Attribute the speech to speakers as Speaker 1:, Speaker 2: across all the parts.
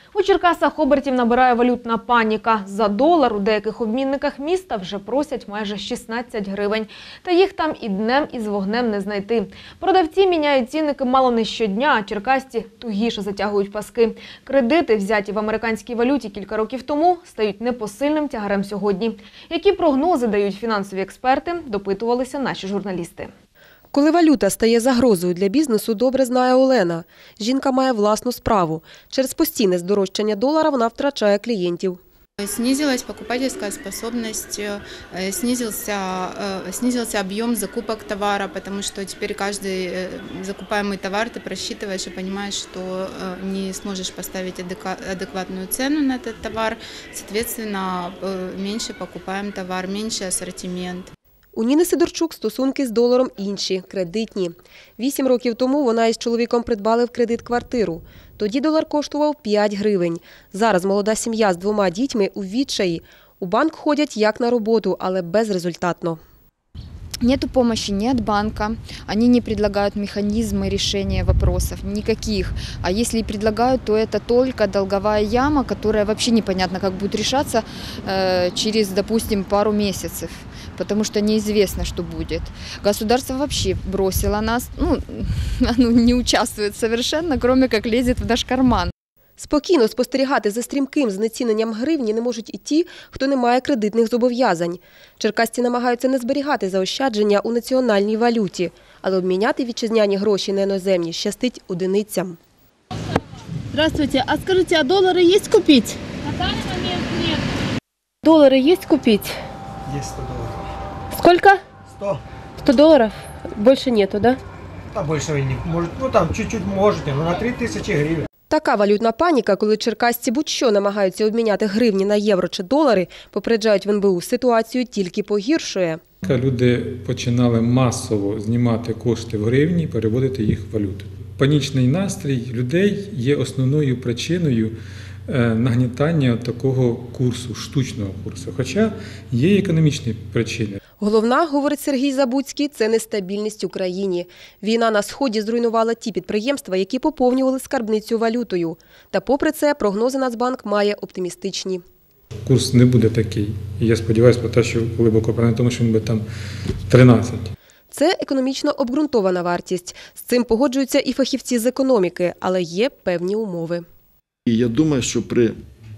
Speaker 1: У Черкасах обертів набирає валютна паніка. За долар у деяких обмінниках міста вже просять майже 16 гривень. Та їх там і днем, і з вогнем не знайти. Продавці міняють цінники мало не щодня, а черкасці тугіше затягують паски. Кредити, взяті в американській валюті кілька років тому, стають непосильним тягарем сьогодні. Які прогнози дають фінансові експерти, допитувалися наші журналісти.
Speaker 2: Коли валюта стає загрозою для бізнесу, добре знає Олена. Жінка має власну справу. Через постійне здорожчання долара вона втрачає клієнтів.
Speaker 3: Снизилась покупательская способность, снизился объем закупок товара, потому что теперь каждый закупаемый товар ты просчитываешь и понимаешь, что не сможешь поставить адекватную цену на этот товар, соответственно, меньше покупаем товар, меньше ассортимент.
Speaker 2: У Ніни Сидорчук стосунки з доларом інші – кредитні. 8 років тому вона із чоловіком придбали в кредит квартиру. Тоді долар коштував 5 гривень. Зараз молода сім'я з 2 дітьми у відчаї. У банк ходять як на роботу, але безрезультатно.
Speaker 4: Нету помощи ни от банка, они не предлагают механизмы решения вопросов, никаких. А если и предлагают, то это только долговая яма, которая вообще непонятно, как будет решаться через, допустим, пару месяцев, потому что неизвестно, что будет. Государство вообще бросило нас, оно не участвует совершенно, кроме как лезет в наш карман.
Speaker 2: Спокійно спостерігати за стрімким знеціненням гривні не можуть і ті, хто не має кредитних зобов'язань. Черкасці намагаються не зберігати заощадження у національній валюті, але обміняти вітчизняні гроші на іноземні щастить одиницям.
Speaker 5: Здравствуйте, а скажите, а доллары есть купить?
Speaker 6: На данный момент нет.
Speaker 5: Доллары есть купить?
Speaker 7: Есть 100 долларов.
Speaker 5: Сколько?
Speaker 7: 100.
Speaker 5: 100 долларов? Больше нету, да?
Speaker 7: Там больше не может. Ну там чуть-чуть можете, но на 3000 гривен.
Speaker 2: Така валютна паніка, коли черкасці будь-що намагаються обміняти гривні на євро чи долари, попереджають в НБУ, ситуацію тільки погіршує.
Speaker 8: Люди починали масово знімати кошти в гривні і переводити їх в валюту. Панічний настрій людей є основною причиною нагнітання такого курсу, штучного курсу, хоча є економічні причини.
Speaker 2: Головна, говорить Сергій Забуцький, це нестабільність у країні. Війна на Сході зруйнувала ті підприємства, які поповнювали скарбницю валютою. Та попри це прогнози Нацбанк має оптимістичні.
Speaker 8: Курс не буде такий. І я сподіваюся про те, що глибоко на тому, що він буде там 13.
Speaker 2: Це економічно обґрунтована вартість. З цим погоджуються і фахівці з економіки, але є певні умови.
Speaker 9: І я думаю, що при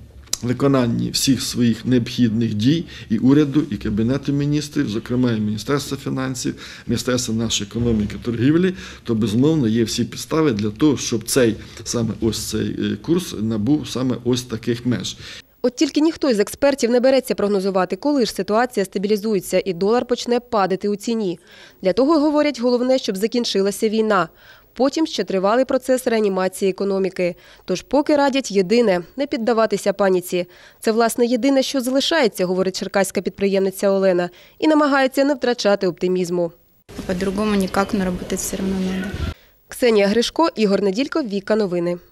Speaker 9: виконанні всіх своїх необхідних дій і уряду, і Кабінету міністрів, зокрема і Міністерства фінансів, Міністерства нашої економіки і торгівлі, то, безумовно, є всі підстави для того, щоб цей курс набув саме ось таких меж.
Speaker 2: От тільки ніхто із експертів не береться прогнозувати, коли ж ситуація стабілізується і долар почне падати у ціні. Для того, говорять, головне, щоб закінчилася війна. Потім ще тривалий процес реанімації економіки. Тож поки радять єдине – не піддаватися паніці. Це, власне, єдине, що залишається, говорить черкаська підприємниця Олена, і намагається не втрачати оптимізму.
Speaker 3: По-другому ніяк, але працювати все одно треба.
Speaker 2: Ксенія Гришко, Ігор Неділько, Віка Новини.